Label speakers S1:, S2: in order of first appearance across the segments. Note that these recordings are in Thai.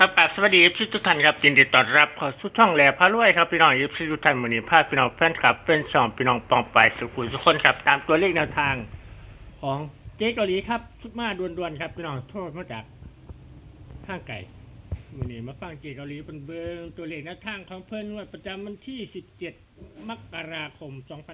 S1: ครับสวัสดีทุกท่านครับยินดีต้อนรับเข้าสู่ช่องแหล่พารวยครับพี่น้องทุกท่านวันนี้พาพี่น้องแฟนคลับเป็นสองพี่น้องปองไปสุขุมทุกคนครับตามตัวเลขแนวทางของเจ๊เกาหลีครับชุดมาด่วนๆครับพี่น้องโทษมาจากข้างไก่วันนี้มาฟังเจ๊เกาหลีเป็นเบิ้งตัวเลขแนวทางของเพิ่นงวดประจำวันที่17มกราคม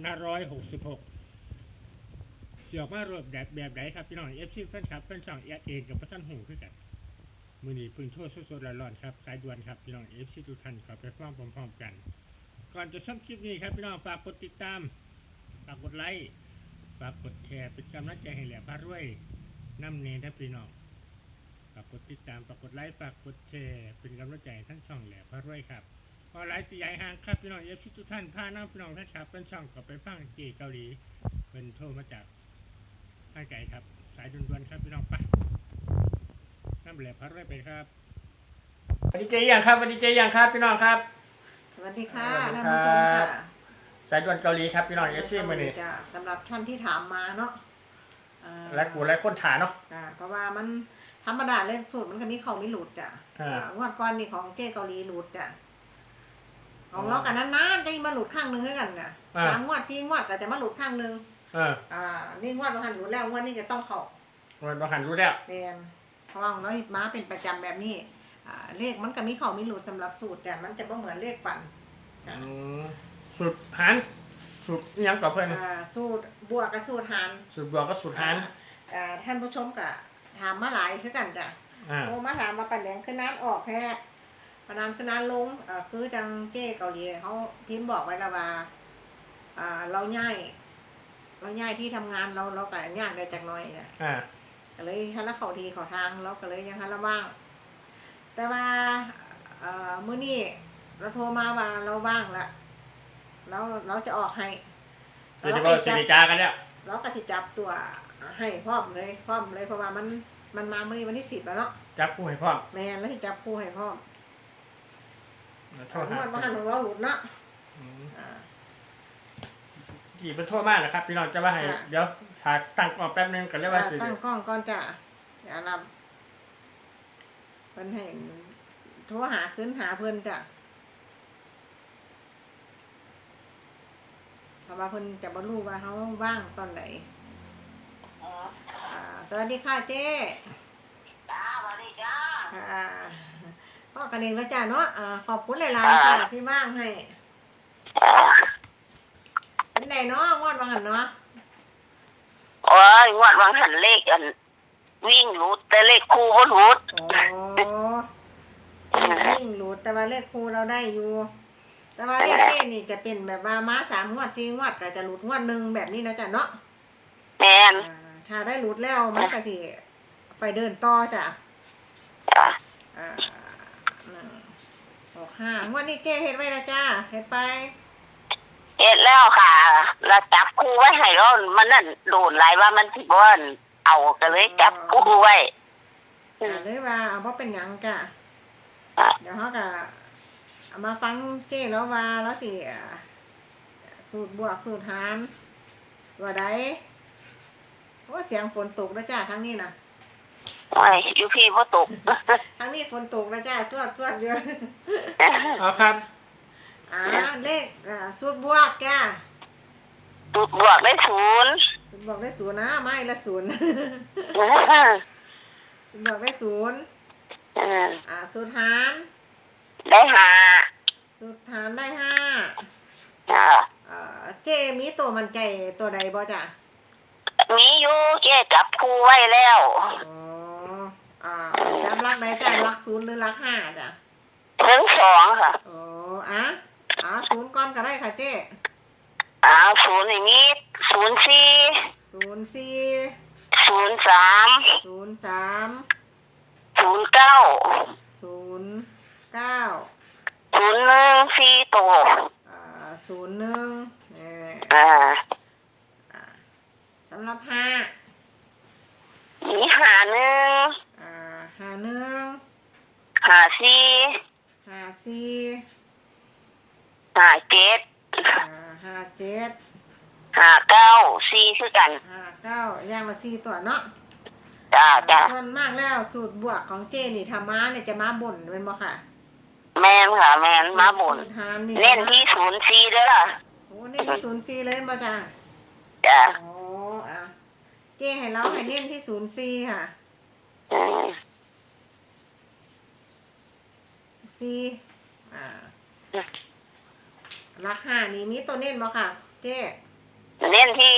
S1: 2566เสียออกมารวบแบบไหนครับพี่น้องแฟนคลับเป็นสองเองกับพระท่านหูคือกันมือนี้พึ่งโทษสดๆร้อนๆครับสายด่วนครับพี่น้องทุกท่านขอไปฟังพร้อมๆกันก่อนจะชมคลิปนี้ครับพี่น้องฝากกดติดตามฝากกดไลค์ฝากกดแชร์เป็นกำลังใจให้แหล่พารวยน้ำเนรพี่น้องฝากกดติดตามฝากกดไลค์ฝากกดแชร์เป็นกำลังใจทั้งช่องแหล่พารวยครับพอไลฟ์สีใหญ่ห่างครับพี่น้องทุกท่านพาน้ำพี่น้องท่านครับเป็นช่องก็ไปฟังเจเกาหลีเป็นโทรมาจากข้างไกลครับสายด่วนๆครับพี่น้องไปน้ำแหล่พารวยไปครับสวัสดีเจยังครับสวัสดีเจยังครับพี่น้องครับ
S2: สวัสดีค่ะท่านผู้ชมค่ะ
S1: สายด่วนเกาหลีครับพี่น้องมือนี้
S2: สำหรับท่านที่ถามมาเนาะ
S1: และกูและคนถาเนาะ
S2: เพราะว่ามันธรรมดาเลขสูตรมันก็มีเขาไม่หลุดจ้ะงวดก่อนนี่ของเจ๊เกาหลีหลุดจ้ะของเรากันนานๆจะมาหลุดข้างนึงด้วยกันเนี่ย3 งวด4 งวดก็จะมาหลุดข้างนึงนี่งวดประหันหลุดแล้วงวดนี้จะต้องเขา
S1: งวดประหันรู้แล้ว
S2: เป็นเพราะว่าของเรามาเป็นประจำแบบนี้เลขมันก็มีเขาไม่หลุดสำหรับสูตรแต่มันจะไม่เหมือนเลขฝัน
S1: สูตรหันสูตรยังกับเพื่อน
S2: สูตรบวกกับสูตรหัน
S1: สูตรบวกกับสูตรหัน
S2: ท่านผู้ชมก็ถามมาหลายคือกันจ้ะโอ้มาถามมาปั่นแดงขึ้นน้ำออกแค่ปนานขึ้นน้ำลงคือจังเจ้เกาหลีเขาพิมพ์บอกไว้แล้วว่าเราย้ายที่ทำงานเราก็ย่างได้จากน้อยเนี่ยก็เลยฮันละเขาทีเขาทางเราก็เลยยังฮันละว่างแต่ว่ามื้อนี้เราโทรมาว่าเราว่างละเราจะออกให้
S1: เราจะบอกสิริจากันแล้ว
S2: เราก็จะจับตัวให้พร้อมเลยเพราะว่ามันมามื้อนี้วันที่10แล้วเนาะ
S1: จับคู่ให้พร้อม
S2: แม่นแล้วสิจับคู่ให้พร้อม
S1: โทษหา
S2: บ้านของเราหลุดเนาะ
S1: กี่เป็นโทษมากนะครับพี่น้องจะว่าให้เดี๋ยวถ่ายตั้งกล้องแป๊บนึงกันเรียกว่าสิ
S2: ตั้งกล้องก่อนจ้ะอย่ารับเพิ่นให้โทรหาขึ้นหาเพิ่นจ้ะเพราะว่าเพิ่นจะบ่รู้ว่าเฮาว่างตอนไหนสวัสดีค่ะเจ๊
S3: จ้าสวัสดีจ้า
S2: พ่อกันเองแล้วจ้ะเนาะขอบคุณหลายๆค่ะที่ว่างให้เป็นไงเนาะงวดว่าหั่นเนาะ
S3: โอ้ยงวดวางหันเลขอันวิ่งหลุดแต่เลขคู่บ่หลุด
S2: วิ่งหลุดแต่ว่าเลขคู่เราได้อยู่แต่ว่าเลขเจ๊นี่จะเป็นแบบว่าม้า3 งวด4 งวดก็จะหลุดงวดนึงแบบนี้นะจ้ะเนาะ
S3: แม่น
S2: ถ้าได้หลุดแล้วมันก็สิไปเดินต่อจ้ะ5 งวดนี้เจ๊เฮ็ดไว้แล้วจ้าเฮ็ดไป
S3: เฮ็ดแล้วค่ะแล้วจับคู่ไว้ให้แล้วมันนั่นโดนหลายว่ามันสิบ่เอาก็เลยจับคู่ไว้
S2: เลยว่าบ่เป็นหยังจ้ะเดี๋ยวเฮาก็เอามาฟังเจ๊แล้วว่าแล้วสิสูตรบวกสูตรหารตัวใดโอ้เสียงฝนตกแล้วจ้าทั้งนี้น่ะ
S3: โอ้ยอยู่พี่บ่ตก
S2: ทั้งนี้ฝนตกแล้วจ้าสวดเยอะ
S1: เอาครับ
S2: เลขสูตรบวกจ้า
S3: สูตรบวกได้0
S2: สูตรบวกได้0นะไม่ละ0สูตรบวกได้0สูตรหาร
S3: ได้5
S2: สูตรหารได้5เจมีตัวมันใจตัวใดบ่จ้ะ
S3: มีอยู่เจ๊จับคู่ไว้แล้ว
S2: จำรักใดจ้ะรัก0หรือรัก5จ้ะ
S3: ถึง2ค่ะ
S2: 0ก่อนก็ได้ค่ะเจ๊
S3: 0นี่มี04 ตัว
S2: สำหรับ
S3: 5มี51 54 57 59 4คือกัน
S2: 59อย่างละ4ตัวเนาะ
S3: จ้าจ้า
S2: ส่วนมากแล้วสูตรบวกของเจนี่ธรรมะเนี่ยจะมาบ่นเป็นบ่ค่ะ
S3: แม่นค่ะแม่นมาบ่น
S2: สูตรหารนี่
S3: เน้นที่04เด้อ
S2: โอ้เน้นที่04เลยบ่จ้า
S3: จ้า
S2: อ๋ออ่ะเจให้เราให้เน้นที่04ค่ะ
S3: อืม
S2: 4ราคานี่มีตัวเน้นบ่ค่ะ เจ
S3: เน้นที่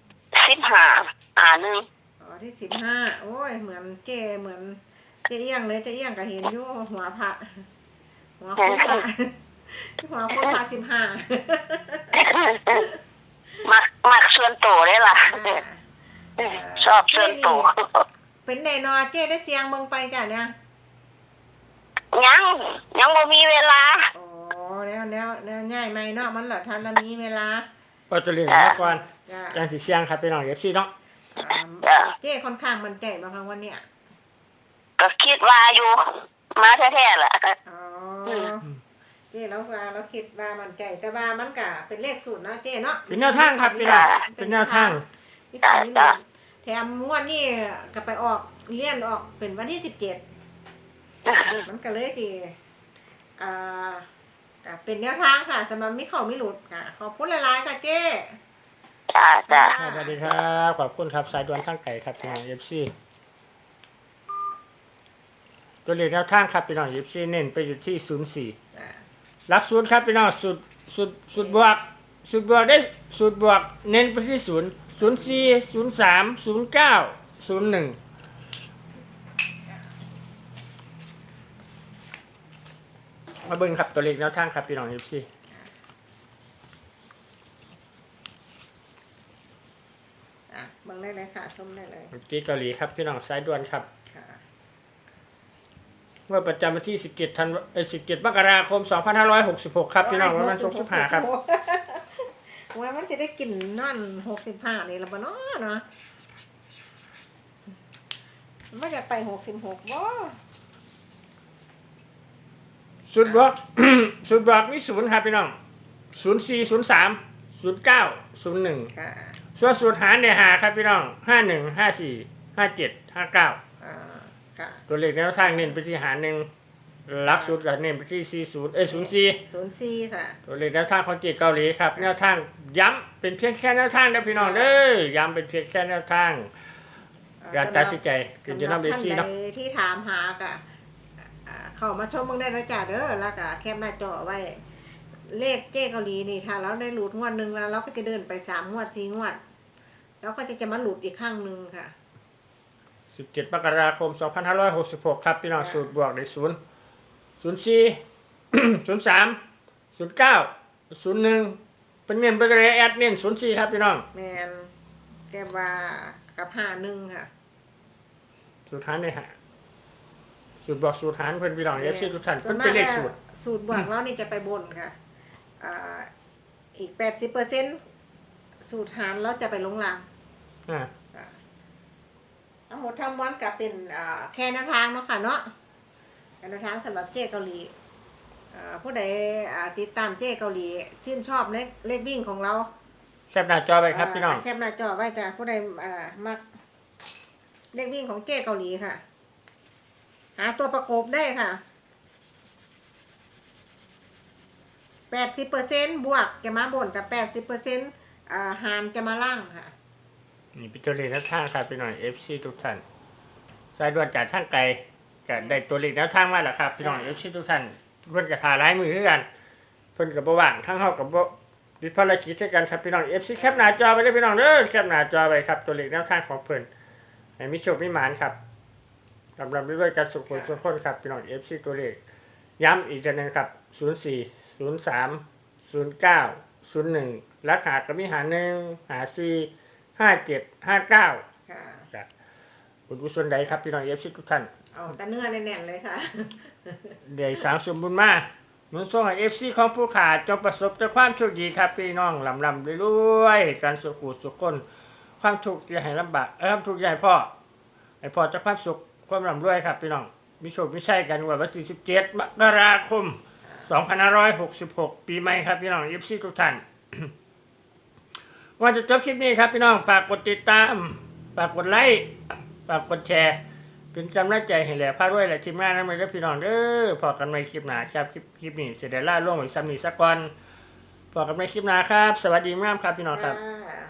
S3: 15 1
S2: อ๋อที่15โอ้ยเหมือนเจเหมือนเจเอี้ยงเลยเจเอี้ยงก็เห็นอยู่หัวพระหัวคุณพระหัวคุณพระ15
S3: มักส่วนโตได้ล่ะ ชอบส่วนโต
S2: เป็นไดนอเจ๊ได้เสียงเมืองไปจ้ะเนี่ย
S3: ยังบ่มีเวลา
S2: โอ้แล้วง่ายไหมเนาะมันเหรอทันละมีเวลา
S1: ก็จะเรียนมาก่อน
S2: จ้ะ
S1: จังสิเสียงครับพี่น้องFCเนาะ
S3: จ้ะ
S2: เจ๊ค่อนข้างมั่นใจมาครั้งวันเนี้ย
S3: ก็คิดว่าอยู่มาแท้ๆล่ะ
S2: อ๋อเจ๊แล้วว่าเราคิดว่ามั่นใจแต่ว่ามันก็เป็นเลขสูตรเนาะเจ๊เนาะ
S1: เป็นแนวทางครับพี่น้องเป็นแนวทาง
S2: พี่ขายนี่มันแถมงวดนี่ก็ไปออกเลื่อนออกเป็นวันที่17มันก็เลยสิก็เป็นแนวทางค่ะสำหรับมิเข้ามิหลุดค่ะขอบคุณหลายๆค่ะเจ๊
S3: จ้า
S1: สวัสดีครับขอบคุณครับสายด่วนทางไก่ครับพี่น้อง FC ตัวเลขแนวทางครับพี่น้อง FC เน้นไปอยู่ที่04หลักศูนย์ครับพี่น้องสูตรบวกได้สูตรบวกเน้นไปที่0 04 03 09 01มาเบิ่งครับตัวเลขแนวทางครับพี่น้อง FC
S2: เบิ่งได้เลยค่ะชมได้เลย
S1: เมื่อกี้เกาหลีครับพี่น้องสายด่วนครับ
S2: ค่ะ
S1: เมื่อประจำวันที่17 มกราคม 2566 ครับพี่น้องวันศุกร์15ครับ
S2: ว่ามันจะได้กินนั่น65นี่ละบ่เนาะเนาะมันจะไป66บ่
S1: สูตรบวก สูตรบวกมี0ครับพี่น้อง04 03 09 01
S2: ค่ะ
S1: ส่วนสูตรหารเนี่ยหาครับพี่น้อง51 54 57 59
S2: ค่ะ
S1: ตัวเลขแนวทางเน้นไปที่หารหนึ่งหลักสูตรก็เน้นไปที่40
S2: 04ค่ะ
S1: 04ตัวเลขแนวทางของจีนเกาหลีครับแนวทางย้ำเป็นเพียงแค่แนวทางนะพี่น้องเด้อย้ำเป็นเพียงแค่แนวทางการตัดสินใจคือจะนำเอฟซี
S2: ท่าน
S1: เนาะ
S2: ใดที่ถามหากะเข้ามาชมเบิ่งได้นะจ๊ะเด้อแล้วก็แคปหน้าจอไว้ เลขเจ๊เกาหลีนี่ถ้าเราได้หลุดงวดหนึงแล้วเราก็จะเดินไป3งวด4งวดแล้วก็จะมาหลุดอีกครั้งหนึงค่ะ
S1: 17 มกราคม 2566 ครับพี่น้องสูตรบวกได้0 04 03 09 01เป็นเงินไปเลยแอดเน้น04ครับพี่น้อง
S2: แมนแกว่ากับ51ค่ะ
S1: สูตรหารเนี่ยฮะสูตรบวกสูตรหารเพื่อนพี่น้องเอฟซีทุกท่านเพิ่นเป็นเลขสูตร
S2: สูตรบวกแล้วนี่จะไปบนค่ะอีก 80%สูตรหารแล้วจะไปลงล่าง
S1: อ่า
S2: ทั้งหมดทั้งมวลก็เป็นแค่แนวทางเนาะค่ะเนาะแค่แนวทางสำหรับเจ๊เกาหลีผู้ใดติดตามเจ๊เกาหลีชื่นชอบเลขวิ่งของเรา
S1: แคปหน้าจอไปครับพี่น้อง
S2: แคปหน้าจอไว้จ้ะผู้ใดมักเลขวิ่งของเจ๊เกาหลีค่ะหาตัวประกบได้ค่ะ 80%บวกจะมาบนแต่ 80%หารจะมาล่างค่ะ
S1: นี่เป็นตัวเลขแนวทางครับพี่น้องเอฟซีทุกท่านสายด่วนจากทางไกลก็ได้ตัวเลขแนวทางมาแล้วครับพี่น้องเอฟซีทุกท่านเพิ่นก็ถ่ายลายมือคือกันเพิ่นก็บ่ว่างทั้งเฮากับบ่ติดภารกิจด้วยกันครับพี่น้องเอฟซีแคปหน้าจอไปเลยพี่น้องเด้อแคปหน้าจอไปครับตัวเลขแนวทางของเพิ่นให้มีโชคมีหมานครับกำลังด้วยกันสุขสุขคนครับพี่น้องเอฟซีตัวเลขย้ำอีกทีนึงครับ04 03 09 01ราคาก็มีหา1หา4 57 59
S2: ค่ะ
S1: ครับบุญกุศลใดครับพี่น้องเอฟซีทุกท่าน
S2: เอาแต่เนื้อแน่นๆเลยค่ะ
S1: ได้สร้างสมบุญมาหนุนส่งให้เอฟซีของผู้ขาดจงประสบแต่ความโชคดีครับพี่น้องลำรวยๆการสุขสุขคนความทุกข์อย่าให้ลำบากความทุกข์อย่าให้พ่อให้พ่อจะความสุขความร่ำรวยครับพี่น้องมีโชคมีชัยกันวันที่17 มกราคม 2566 ปีใหม่ครับพี่น้องเอฟซีทุกท่าน ว่าจะจบคลิปนี้ครับพี่น้องฝากกดติดตามฝากกดไลค์ฝากกดแชร์เป็นกำลังใจให้แหล่พาด้วยและทีมงานนั้นเลยพี่น้องเด้อพอกันในคลิปหน้าครับคลิปนี้เสร็จแล้วล่าล่วงไว้ซ้ำนี้สักวันพอกันในคลิปหน้าครับสวัสดีมากครับพี่น้องครับ
S2: อ่า